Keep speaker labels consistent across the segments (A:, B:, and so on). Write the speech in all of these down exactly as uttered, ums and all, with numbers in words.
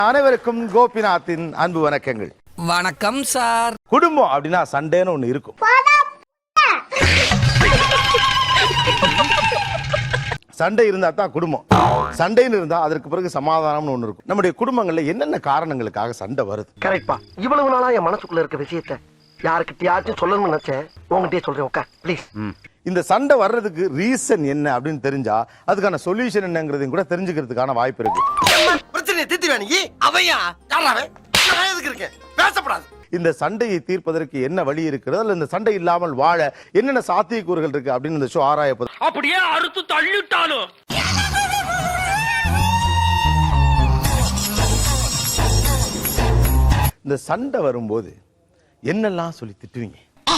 A: அனைவருக்கும் கோபிநாத்தின் அன்பு வணக்கங்கள்.
B: வணக்கம் சார்.
A: குடும்பம் அப்படின்னா சண்டைன்னு ஒண்ணு இருக்கும். சண்டை இருந்தா தான் குடும்பம். சண்டைன்னு இருந்தா அதற்கு பிறகு சமாதானம்னு ஒண்ணு இருக்கும். நம்முடைய குடும்பங்கள்ல என்னென்ன காரணங்களுக்காக சண்டை வருது?
C: கரெக்ட்பா. இவ்வளவு நாளா என் மனசுக்குள்ள இருக்க விஷயத்தை யாருக்கிட்டயாச்சும் சொல்லணும்னு நினைச்சேன். உங்ககிட்டயே சொல்றேன். உட்கார் ப்ளீஸ்.
A: இந்த சண்டை வர்றதுக்கு ரீசன் என்ன அப்படின்னு தெரிஞ்சா அதுக்கான சொல்யூஷன் என்னங்கிறதையும் கூட தெரிஞ்சுக்கிறதுக்கான வாய்ப்பு இருக்கு.
C: பிரச்சனை தீர்த்து வேணி அவையா யாராவே நான் எதுக்கு இருக்கேன்? பேசப்படாது.
A: இந்த சண்டையை தீர்ப்பதற்கு என்ன வழி இருக்கிறது, அல்ல இந்த சண்டை இல்லாமல் வாழ என்னென்ன சாத்தியக்கூறுகள் இருக்கு அப்படின்னு இந்த ஷோ ஆராயப்போது.
B: அப்படியே அறுத்து தள்ளிட்டாலும்
A: இந்த சண்டை வரும்போது என்னெல்லாம் சொல்லி திட்டுவீங்க?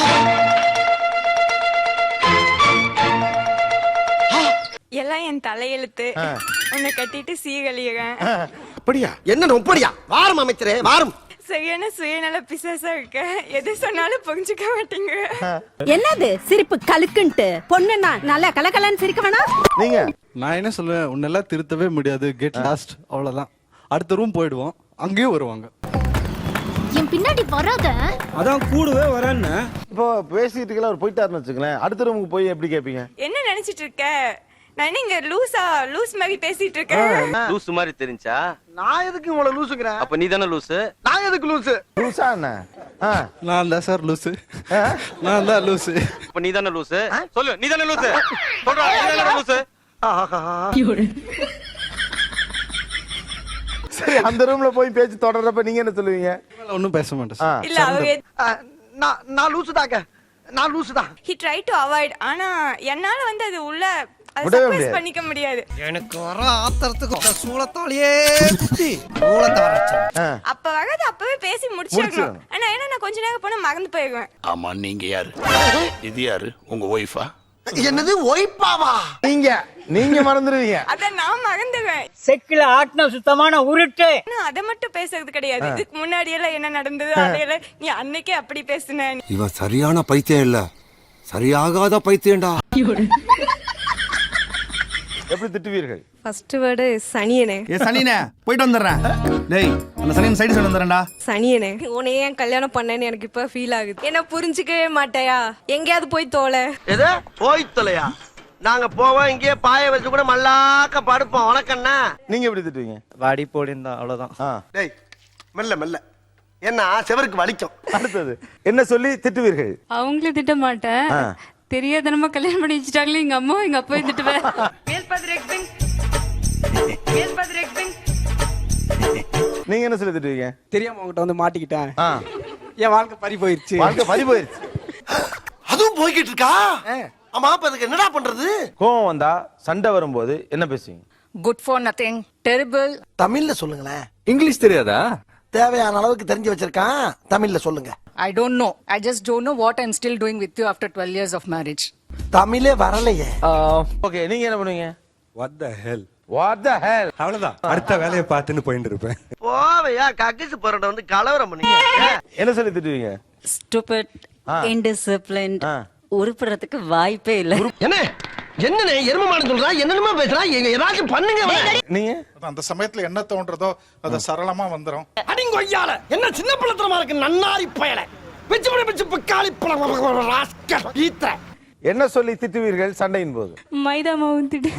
D: எல்லாம் என் தலையெழுத்து. உன்னை கட்டிட்டு சீகழியறேன்.
C: அப்படியா? என்ன ஒப்படியா? வாரம் அமைச்சரே வாரம்.
D: சரியான சுயநல பிசாசா இருக்க. எது சொன்னாலும் புரிஞ்சுக்க மாட்டீங்க.
E: என்னது சிரிப்பு கலுக்குன்ட்டு? பொண்ணுன்னா நல்லா கலகலன்னு சிரிக்க வேணாம்.
A: நீங்க
F: நான் என்ன சொல்லுவேன், உன்னெல்லாம் திருத்தவே முடியாது, கெட் லாஸ்ட், அவ்வளவுதான். அடுத்த ரூம் போயிடுவோம், அங்கேயும் வருவாங்க.
E: என் பின்னாடி வராத.
G: அதான் கூடவே வரேன்னு.
A: இப்போ பேசிட்டு அவர் போயிட்டாருன்னு வச்சுங்களேன், அடுத்த ரூமுக்கு போய் எப்படி கேட்பீங்க?
D: என்ன நினைச்சிட்டு இருக்க? நான் என்ன இங்க லூசா லூஸ் மாதிரி பேசிட்டு இருக்கேன்?
H: லூஸ் மாதிரி தெரிஞ்சா
C: நான் எதுக்கு உங்களை லூசுக்கிறேன்?
H: அப்ப நீ தானே லூசு.
C: நான் எதுக்கு லூசு?
A: லூசா என்ன?
F: நான் தான் சார் லூசு. நான் தான் லூசு.
H: அப்ப நீ தானே லூசு. சொல்லு, நீ தானே லூசு. சொல்றா, நீ தானே லூசு.
A: சரி, அந்த ரூம்ல போய் பேச்சு தொடர்றப்ப நீங்க என்ன சொல்லுவீங்க?
F: ஒன்னும் பேச மாட்டேன்.
D: இல்ல அவ
C: நான் நான் லூசுதாங்க. நான் லூசுதான்.
D: he tried to avoid. ஆனா என்னால வந்து அது உள்ள அது
A: விடவே
D: சப்ரஸ்
A: முடியாது.
D: பண்ணிக்க முடியாது.
B: எனக்கு வர ஆத்திரத்துக்கு சூளத்தாலேயே சூளத்தை வர
D: அப்ப வரது அப்பவே பேசி முடிச்சிடணும். ஆனா என்ன நான் கொஞ்ச நேரம் போனா மறந்து போயிடுவேன்.
I: ஆமா, நீங்க யாரு? இது யாரு? உங்க ஒய்ஃபா?
C: என்னது ஒய்பாவா?
A: நீங்க நீங்க மறந்துடுவீங்க.
D: அத நான் மறந்துடுவேன்.
G: செக்கில ஆட்டின சுத்தமான உருட்டு.
D: ஆனா அத மட்டும் பேசுறது கிடையாது. இதுக்கு முன்னாடி எல்லாம் என்ன நடந்தது அதையெல்லாம் நீ அன்னைக்கே அப்படி பேசுன.
J: இவன் சரியான பைத்தியம் இல்ல, சரியாகாத பைத்தியம்டா.
A: எப்படி திட்டுவீர்கள்?
E: First word சனியனே.
G: ஏ சனினே, போயிட்டு வந்துடுறேன். டேய், அந்த சனியன் சைடு சொல்லி வந்துடுறேன்டா.
E: சனியனே, உன்னை ஏன் கல்யாணம் பண்ணேன்னு எனக்கு இப்ப ஃபீல் ஆகுது. என்ன புரிஞ்சுக்கவே மாட்டேயா? எங்கேயாவது போய் தோலை.
C: எது போய் தொலையா? நாங்க போவோம், இங்கே பாய வச்சு கூட மல்லாக்க படுப்போம். உனக்கண்ணா
A: நீங்க எப்படி திட்டுவீங்க?
F: வாடி போடிந்தா, அவ்வளவுதான்.
C: டேய் மெல்ல மெல்ல, என்ன செவருக்கு வலிக்கும்.
A: அடுத்தது என்ன சொல்லி திட்டுவீர்கள்?
K: அவங்கள திட்ட மாட்டேன். தெரியாதனமா கல்யாணம் பண்ணி வச்சுட்டாங்களே எங்க அம்மா எங்க அப்பா திட்டுவேன்.
A: நீங்க என்ன சொல்லி திட்டுவீங்க?
G: தெரியாம உங்ககிட்ட வந்து மாட்டிக்கிட்டேன். என் வாழ்க்கை பறி போயிருச்சு.
A: வாழ்க்கை பறி போயிருச்சு.
C: அதுவும் போய்கிட்டு இருக்கா? ஆமா, அப்ப அதுக்கு என்னடா பண்றது?
A: கோவம் வந்தா சண்டை வரும்போது என்ன பேசுவீங்க?
K: Good for nothing, terrible.
C: தமிழ்ல சொல்லுங்களேன்.
F: இங்கிலீஷ் தெரியாதா?
C: தேவையான அளவுக்கு தெரிஞ்சு வச்சிருக்கான். தமிழ்ல சொல்லுங்க.
K: I don't know. I just don't know what I'm still doing with you after twelve years of marriage.
C: தமிழே வரலையே.
A: ஓகே, நீங்க என்ன பண்ணுவீங்க?
F: What the hell?
A: What the hell?
F: அவ்வளவுதான். அடுத்த வேலையை பார்த்துன்னு போயிட்டு இருப்பேன்.
C: போவையா கக்கிசு போறட வந்து கலவரம் பண்ணீங்க.
A: என்ன சொல்லி திட்டுவீங்க?
E: Stupid, indisciplined. உருப்புறதுக்கு வாய்ப்பே இல்ல.
C: என்ன என்னனே எருமமான சொல்றா? என்னமா பேசுறா? ஏதாச்சும் பண்ணுங்க.
A: நீங்க
I: அந்த சமயத்துல என்ன தோன்றதோ அத சரளமா வந்துரும்.
C: அடிங்கொய்யால என்ன சின்ன பிள்ளைத்தனமா இருக்கு. நன்னாரி பயல பிச்சு பிடி பிச்சு பிக்காளி பழ ராஸ்கல் ஈத்ர.
A: என்ன சொல்லி திட்டுவீர்கள் சண்டையின் போது?
K: மைதா மாவு திட்டு.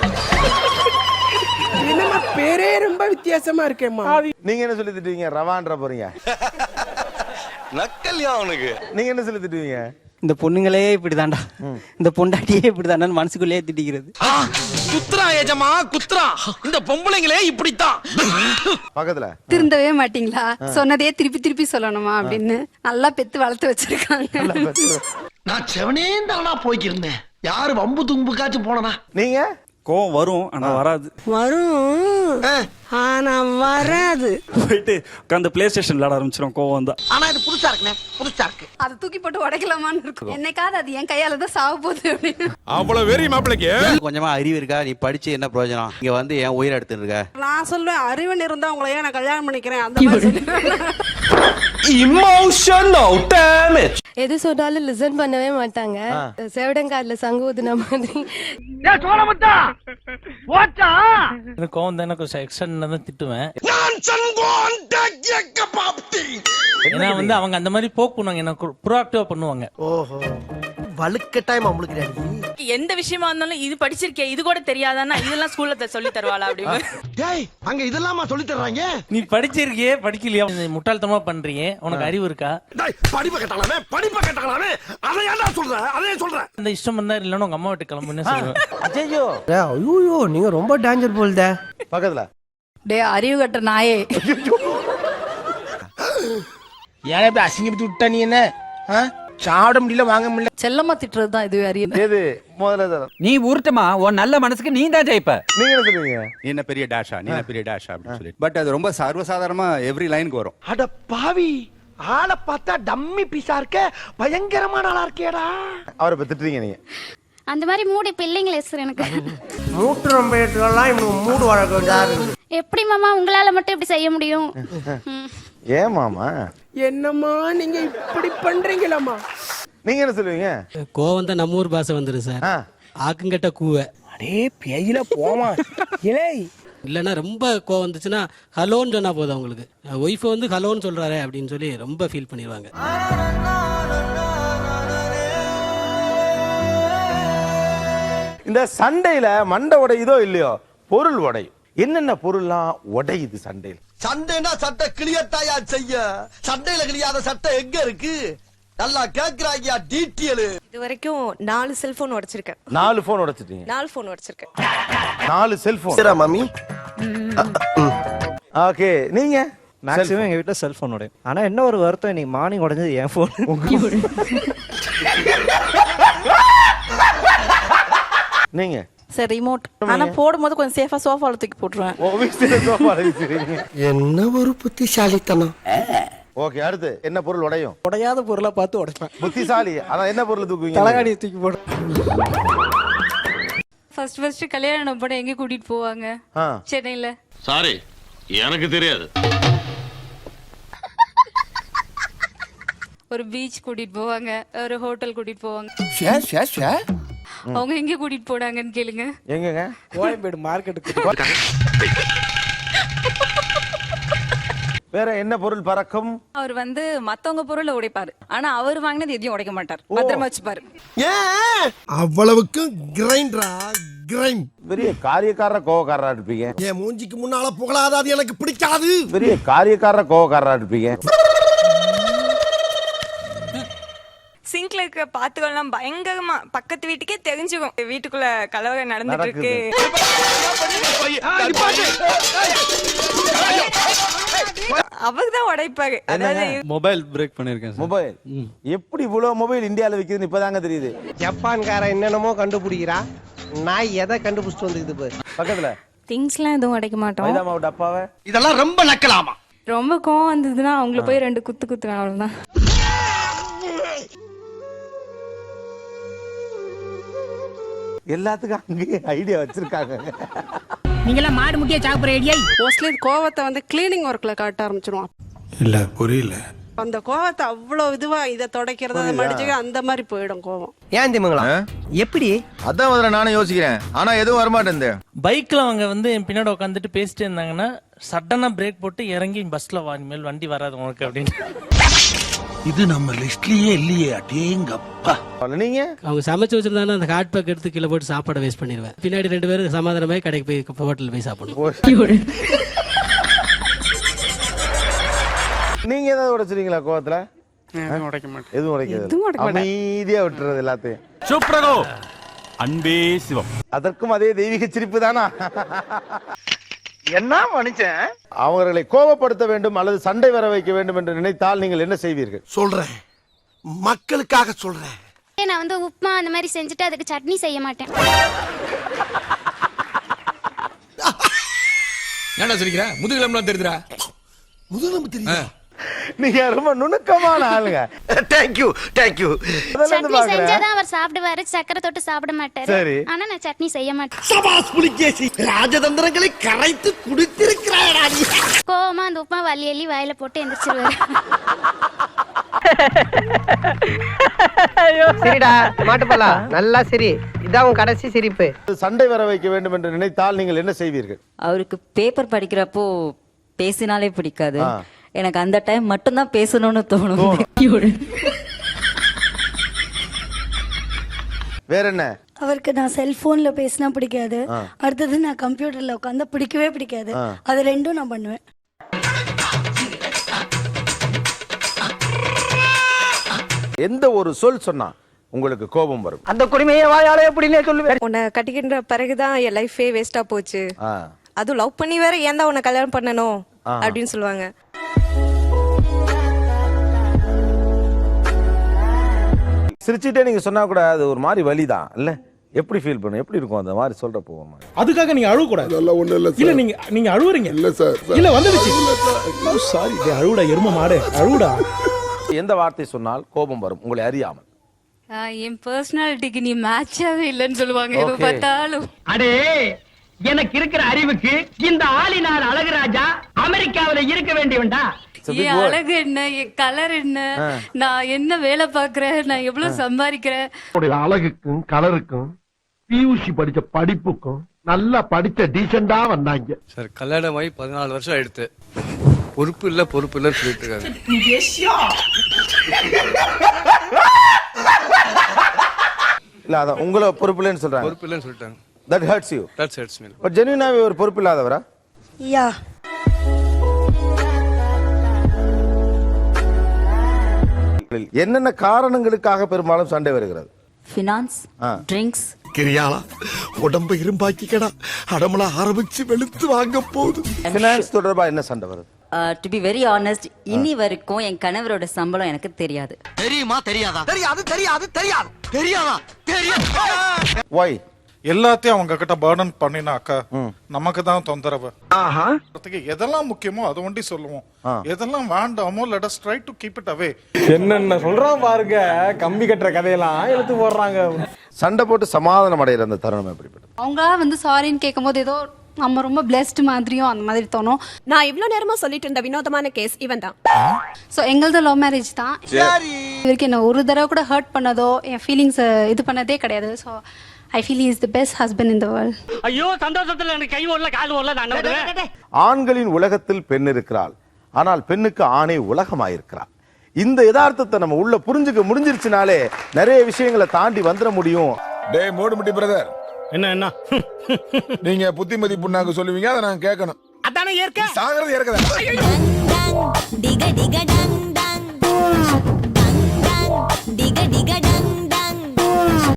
G: என்னமா பேரே ரொம்ப வித்தியாசமா இருக்கேம்மா.
A: நீங்க என்ன சொல்லி திட்டுவீங்க? ரவான்ற போறீங்க.
H: நக்கல்யா அவனுக்கு.
A: நீங்க என்ன சொல்லி திட்டுவீங்க?
G: இந்த பொண்ணுங்களே இப்படிதான்டா, இந்த பொண்டாட்டியே இப்படிதான்டா மனசுக்குள்ளேயே திட்டிக்கிறது.
B: குத்ரா ஏஜமா குத்ரா. இந்த பொம்பளைங்களே இப்படித்தான்.
A: பக்கத்துல
K: திருந்தவே மாட்டீங்களா? சொன்னதே திருப்பி திருப்பி சொல்லணுமா அப்படின்னு நல்லா பெத்து வளர்த்து வச்சிருக்காங்க.
C: நான் செவனே தானா போய்க்கிருந்தேன். யாரு வம்பு தும்புக்காச்சும் போனனா?
A: நீங்க
F: கோவம் வரும், ஆனா வராது.
E: வரும் ஆனா வராது.
F: போயிட்டு உட்காந்து பிளே ஸ்டேஷன் விளையாட ஆரம்பிச்சிடும் கோவம் தான்.
C: ஆனா இது புதுசா இருக்குனே, புதுசா இருக்கு.
K: அதை தூக்கி போட்டு உடைக்கலாமான்னு இருக்கும். என்னைக்காவது அது என் கையால தான் சாவ போகுது அப்படின்னு.
I: அவ்வளவு வெறி மாப்பிளைக்கு.
J: கொஞ்சமா அறிவு இருக்கா? நீ படிச்சு என்ன பிரயோஜனம்? இங்க வந்து என் உயிரை எடுத்துட்டு இருக்க.
E: நான் சொல்லுவேன், அறிவன் இருந்தா உங்களை ஏன் நான் கல்யாணம் பண்ணிக்கிறேன் அந்த மாதிரி சொல்லுவேன்.
B: Emotional damage.
E: எது சொன்னாலும் லிசன் பண்ணவே மாட்டாங்க. சேவடங்காதுல சங்கு ஊதுன மாதிரி.
G: எனக்கு கோவம் தான் கொஞ்சம் எக்ஸ்ட்ரா தான் திட்டுவேன். ஏன்னா வந்து அவங்க அந்த மாதிரி போக் பண்ணுவாங்க, எனக்கு ப்ரோஆக்டிவா பண்ணுவாங்க.
C: ஓஹோ வலுக்கட்டாயம் அவங்களுக்கு
D: எந்த விஷயமா இருந்தாலும் இது படிச்சிருக்கே இது கூட தெரியாதான்னா இதெல்லாம் ஸ்கூல்ல சொல்லி தருவாளா அப்படின்னு.
C: டேய் அங்க இதெல்லாமா சொல்லி தர்றாங்க?
G: நீ படிச்சிருக்கியே படிக்கலையா, முட்டாள்தனமா பண்றீங்க, உனக்கு அறிவு இருக்கா?
C: டேய் படிப்ப கேட்டாலாமே படிப்ப கேட்டாலாமே அதை ஏன்டா சொல்ற? அதே சொல்றேன்.
G: அந்த இஷ்டம் வந்தா இல்லன்னு உங்க அம்மா வீட்டு கிளம்புன்னு சொல்லுவேன்.
C: ஐயோ ஐயோ நீங்க ரொம்ப டேஞ்சர் போல்தே.
A: பக்கத்துல
K: டே அறிவு கட்ட நாயே.
B: ஏன் இப்படி அசிங்கப்பட்டு விட்டா நீ என்ன? சாப்பிட முடியல வாங்க முடியல.
K: செல்லமா திட்டுறது தான் இதுவே அறிவு.
A: எது முதல்ல
G: நீ உருட்டுமா, உன் நல்ல மனசுக்கு நீ தான் ஜெயிப்ப.
A: நீங்க என்ன சொல்லுவீங்க?
F: நீ என்ன பெரிய டேஷா, நீ என்ன பெரிய டேஷா அப்படின்னு சொல்லி. பட் அது ரொம்ப சர்வசாதாரணமா எவ்ரி லைனுக்கு வரும்.
C: அட பாவி ஆளை பார்த்தா டம்மி பீஸா இருக்க, பயங்கரமான ஆளா இருக்கேடா.
A: அவரை இப்ப திட்டுறீங்க நீங்க.
K: அந்த மாதிரி மூடு இப்ப இல்லைங்களே சார் எனக்கு.
C: மூட்டு ரொம்ப எல்லாம் இவனுக்கு மூடு வழக்கம்.
K: எப்படி மாமா உங்களால மட்டும் இப்படி செய்ய முடியும்?
A: ஏன் மாமா
C: என்னம்மா நீங்க இப்படி பண்றீங்களாமா?
A: நீங்க என்ன சொல்லுவீங்க?
G: கோவம் தான் நம்ம ஊர் பாஷை வந்துரு சார்.
A: ஆ.
G: ஆக்குங்கட்ட கூவ.
C: அடே பேயில போமா இலே.
G: இல்லைன்னா ரொம்ப கோவம் வந்துச்சுன்னா ஹலோன்னு சொன்னா போதும் அவங்களுக்கு. ஒய்ஃபை வந்து ஹலோன்னு சொல்றாரு அப்படின்னு சொல்லி ரொம்ப ஃபீல் பண்ணிடுவாங்க.
A: இந்த சண்டையில மண்டை உடையுதோ இல்லையோ பொருள் உடையும். என்னென்ன பொருள்லாம் உடையுது சண்டையில்?
C: சண்டைனா சட்டை கிளியத்தாயா செய்ய, சண்டையில கிளியாத சட்டை எங்க இருக்கு? நல்லா கேக்குறாங்க டீட்டெயில்.
E: இது வரைக்கும் நாலு செல்போன் உடைச்சிருக்கேன்.
A: நாலு போன் உடைச்சிட்டீங்க?
E: நாலு போன் உடைச்சிருக்கேன்.
A: நாலு செல்போன்.
C: சரி மாமி.
A: ஓகே நீங்க?
G: மேக்ஸிமம் எங்க வீட்டுல செல்போன் உடையும். ஆனா என்ன ஒரு வருத்தம், இன்னைக்கு மார்னிங் உடைஞ்சது என் போன்.
A: நீங்க?
K: Sir remote. ஆனா போடும்போது கொஞ்சம் சேஃபா சோஃபால தூக்கி போட்டுருவேன்.
A: ஓ வீட்டுல சோஃபால வச்சிருக்கீங்க.
C: என்ன ஒரு புத்திசாலித்தனம்.
A: ஓகே அடுத்து என்ன பொருள் உடையும்?
G: உடையாத பொருளை பார்த்து உடைப்பேன்.
A: புத்திசாலி. அதான் என்ன பொருள் தூக்குவீங்க?
G: தலகாணியை தூக்கி போடு.
K: ஃபர்ஸ்ட் ஃபர்ஸ்ட் கல்யாணம் பண்ண எங்க கூட்டிட்டு போவாங்க?
A: ஆ.
K: சென்னையில.
H: சாரி எனக்கு தெரியாது.
K: ஒரு பீச் கூட்டிட்டு போவாங்க, ஒரு ஹோட்டல் கூட்டிட்டு போவாங்க.
C: ஷே ஷே ஷே.
K: அவங்க எங்க கூட்டிட்டு போனாங்கன்னு கேளுங்க.
A: எங்கங்க?
G: கோயம்பேடு மார்க்கெட்டுக்கு.
A: வேற என்ன பொருள் பறக்கும்?
D: அவர் வந்து மத்தவங்க பொருளை உடைப்பாரு, ஆனா அவர் வாங்கினது எதையும் உடைக்க மாட்டார், பத்திரமா வச்சுப்பாரு.
C: ஏன் அவ்வளவுக்கு கிரைண்டரா கிரைண்ட்?
A: பெரிய காரியக்காரர கோவக்காரரா இருப்பீங்க.
C: என் மூஞ்சிக்கு முன்னால புகழாத, அது எனக்கு பிடிக்காது.
A: பெரிய காரியக்காரர கோவக்காரரா இருப்பீங்க.
D: சிங்க்ல இருக்க பாத்துக்கலாம் பயங்கரமா பக்கத்து வீட்டுக்கே தெரிஞ்சுக்கும் வீட்டுக்குள்ள கலவரம் நடந்துட்டு இருக்கு. அவர்தான் உடைப்பாரு. அதாவது
F: மொபைல் பிரேக் பண்ணிருக்கேன்.
A: மொபைல் எப்படி இவ்வளவு மொபைல் இந்தியால விக்குதுன்னு இப்பதாங்க தெரியுது.
C: ஜப்பான்கார என்னென்னமோ கண்டுபிடிக்கிறா, நான் எதை கண்டுபிடிச்சிட்டு வந்துக்குது பாரு.
A: பக்கத்துல
E: திங்ஸ்லாம் எதுவும் உடைக்க மாட்டோம்.
A: மைதா மாவு டப்பாவை.
C: இதெல்லாம் ரொம்ப நக்கலாமா?
E: ரொம்ப கோவம் வந்ததுன்னா அவங்கள போய் ரெண்டு குத்து குத்துவேன், அவ்வளவுதான்.
A: எல்லாத்துக்கும் அங்கேயே ஐடியா வச்சிருக்காங்க.
K: நீங்களா மாடு முட்டியா சாப்பிடுற ஐடியா?
E: மோஸ்ட்லி கோவத்தை வந்து கிளீனிங் ஒர்க்ல காட்ட ஆரம்பிச்சிருவான்.
I: இல்ல புரியல.
E: அந்த கோவத்தை அவ்வளவு இதுவா இதை தொடக்கிறது, அதை மடிச்சுக்க, அந்த மாதிரி போயிடும் கோவம்.
C: ஏன் திமுங்களா எப்படி?
B: அதான் முதல்ல நானும் யோசிக்கிறேன், ஆனா எதுவும் வரமாட்டேன்.
G: பைக்ல அவங்க வந்து என் பின்னாடி உட்காந்துட்டு பேசிட்டே இருந்தாங்கன்னா சடனா பிரேக் போட்டு இறங்கி பஸ்ல வா, இனிமேல் வண்டி வராது உனக்கு அப்படின்னு.
I: இது நம்ம லிஸ்ட்லயே இல்லையே. அடேங்கப்பா.
A: நீங்க?
G: அவங்க சமைச்சு வச்சிருந்தாங்கன்னா அந்த ஹாட் பேக் எடுத்து கீழே போட்டு சாப்பாடை வேஸ்ட் பண்ணிடுவேன். பின்னாடி ரெண்டு பேரும் சமாதானமே கடைக்கு போய் ஹோட்டல் போய் சாப்பிடணும்.
A: நீங்க ஏதாவது உடைச்சிருக்கீங்களா கோவத்துல?
G: உடைக்க மாட்டேன்.
A: எதுவும் உடைக்கிறது. அமைதியா விட்டுறது எல்லாத்தையும்.
I: சூப்பரோ அன்பே சிவம்.
A: அதற்கும் அதே தெய்வீக சிரிப்பு தானா?
B: என்ன மனுஷன்?
A: அவர்களை கோபப்படுத்த வேண்டும் அல்லது சண்டை வர வைக்க வேண்டும் என்று நினைத்தால் நீங்கள் என்ன செய்வீர்கள்?
C: சொல்றேன், மக்களுக்காக சொல்றேன்.
K: நான் வந்து உப்புமா அந்த மாதிரி செஞ்சுட்டு அதுக்கு சட்னி செய்ய மாட்டேன்.
B: என்ன சொல்லிக்கிற? முதுகிலம்லாம் தெரியுதுடா.
C: முதுகெலும்பு தெரியுதா?
A: நீங்க ரொம்ப நுணுக்கமான ஆளுங்க.
C: Thank you thank you.
A: சட்னி செஞ்சாதான்
K: அவர் சாப்பிடுவாரு சக்கரை தொட்டு சாப்பிட மாட்டாரு
A: சரி.
K: ஆனா நான் சட்னி செய்ய மாட்டேன்
C: சபாஸ் புலிகேசி, ராஜதந்திரங்களை கரைத்து குடித்திருக்கிறாயடா நீ.
K: கோவமா அந்த உப்புமா வலி எல்லி வாயில போட்டு எந்திரிச்சிருவாரு.
C: சரிடா மாட்டுப்பலா, நல்லா சரி. இதான் உன் கடைசி சிரிப்பு.
A: சண்டை வர வைக்க வேண்டும் என்று நினைத்தால் நீங்கள் என்ன செய்வீர்கள்?
E: அவருக்கு பேப்பர் படிக்கிறப்போ பேசினாலே பிடிக்காது. எனக்கு அந்த டைம் மட்டும்தான் பேசணும்னு தோணும்.
A: வேற என்ன?
K: அவருக்கு நான் செல்போன்ல பேசினா பிடிக்காது. அடுத்தது நான் கம்ப்யூட்டர்ல உட்காந்து பிடிக்கவே பிடிக்காது. அது ரெண்டும் நான் பண்ணுவேன்.
A: எந்த ஒரு சொல் சொன்னா உங்களுக்கு கோபம் வரும்?
C: அந்த குடிமையை வாயாலே எப்படின்னே சொல்லுவேன்.
E: உன்னை கட்டிக்கின்ற பிறகுதான் என் லைஃபே வேஸ்டா போச்சு.
A: ஆ.
E: அதுவும் லவ் பண்ணி வேற ஏன் தான் உன்னை கல்யாணம் பண்ணணும் அப்படின்னு சொல்லுவாங்க.
A: சிரிச்சிட்டே நீங்க சொன்னா கூட அது ஒரு மாதிரி வலிதான் இல்ல? எப்படி ஃபீல் பண்ணும்? எப்படி இருக்கும் அந்த மாதிரி சொல்றப்போ? ஒரு மாதிரி
B: அதுக்காக நீங்க அழுவ கூடாது. இல்ல நீங்க நீங்க அழுவுறீங்க. இல்ல சார் இல்ல வந்துடுச்சு. சாரி டேய், அழுவுடா எரும மாடு, அழுவுடா.
A: எந்த வார்த்தை சொன்னால் கோபம் வரும் உங்களை அறியாமல்?
K: என் பர்சனாலிட்டிக்கு நீ மேட்சாவே இல்லைன்னு சொல்லுவாங்க எப்ப பார்த்தாலும்.
C: அடே, எனக்கு இருக்கிற அறிவுக்கு இந்த ஆளினார் அழகுராஜா அமெரிக்காவில இருக்க வேண்டியவன்டா.
K: என் அழகு என்ன, என் கலர் என்ன, நான் என்ன வேலை பாக்குறேன், நான் எவ்வளவு சம்பாதிக்கிறேன்.
C: அழகுக்கும் கலருக்கும் பியூசி படிச்ச படிப்புக்கும் நல்லா படிச்ச டீசெண்டா வந்தாங்க.
F: சார் கல்யாணம் ஆகி பதினாலு வருஷம் ஆயிடுத்து. பொறுப்பு இல்ல பொறுப்பு இல்ல சொல்லிட்டு இருக்காங்க.
A: இல்ல அதான் உங்களை பொறுப்பு இல்லைன்னு சொல்றாங்க.
F: பொறுப்பு இல்லைன்னு சொல்லிட்டாங்க.
A: That hurts you.
F: That hurts me.
A: But ஜெனுவினாவே ஒரு பொறுப்பு இல்லாதவரா?
K: யா
A: என்னென்ன காரணங்களுக்காக பெரும்பாலும் சண்டை வருகிறது?
E: Finance, drinks.
C: கிரியாளா உடம்ப இரும்பாக்கிக்கடா, அடமலா ஆரம்பிச்சு வெளுத்து வாங்க போகுது.
A: ஃபினான்ஸ் தொடர்பா என்ன சண்டை வருது?
E: டு பி வெரி ஆனஸ்ட், இன்னி வரைக்கும் என் கணவரோட சம்பளம் எனக்கு தெரியாது.
C: தெரியுமா தெரியாதா? தெரியாது தெரியாது தெரியாது தெரியாதா தெரியாது.
A: Why?
I: எல்லாத்தையும் அவங்க கிட்ட பர்டன் பண்ணினாக்கா நமக்கு தான் தொந்தரவு.
C: ஆஹா,
I: எதெல்லாம் முக்கியமோ அதை ஒண்டி சொல்லுவோம், எதெல்லாம் வேண்டாமோ let us try to keep it away.
B: என்னென்ன சொல்றான் பாருங்க, கம்பி கட்டுற கதையெல்லாம் எடுத்து போடுறாங்க.
A: சண்டை போட்டு சமாதானம் அடைகிற அந்த தருணம் எப்படிப்பட்டது?
K: அவங்களா வந்து சாரின்னு கேட்கும்போது ஏதோ நம்ம ரொம்ப பிளெஸ்ட் மாதிரியும் அந்த மாதிரி தோணும்.
E: நான் இவ்வளவு நேரமா சொல்லிட்டு இருந்த வினோதமான கேஸ் இவன் தான்.
K: ஸோ எங்களது லவ் மேரேஜ் தான். இவருக்கு என்ன ஒரு தடவை கூட ஹர்ட் பண்ணதோ என் ஃபீலிங்ஸ் இது பண்ணதே கிடையாது. So I feel is the best husband in the world.
C: ஐயோ சந்தோஷத்துல எனக்கு கை ஓடல கால் ஓடல. நான்
A: ஆண்களின் உலகத்தில் பெண் இருக்கிறாள், ஆனால் பெண்ணுக்கு ஆணை உலகமாயிருக்கிறாள். இந்த யதார்த்தத்தை நம்ம உள்ள புரிஞ்சுக்க முடிஞ்சிருச்சுனாலே நிறைய விஷயங்களை தாண்டி வந்துட முடியும்.
I: டேய் மோடுமுட்டி பிரதர்,
B: என்ன என்ன
I: நீங்க புத்திமதி புண்ணாக்கு சொல்லுவீங்க, அதை நான் கேட்கணும்.
C: அதானே ஏற்க
I: சாகிறது ஏற்கதான்.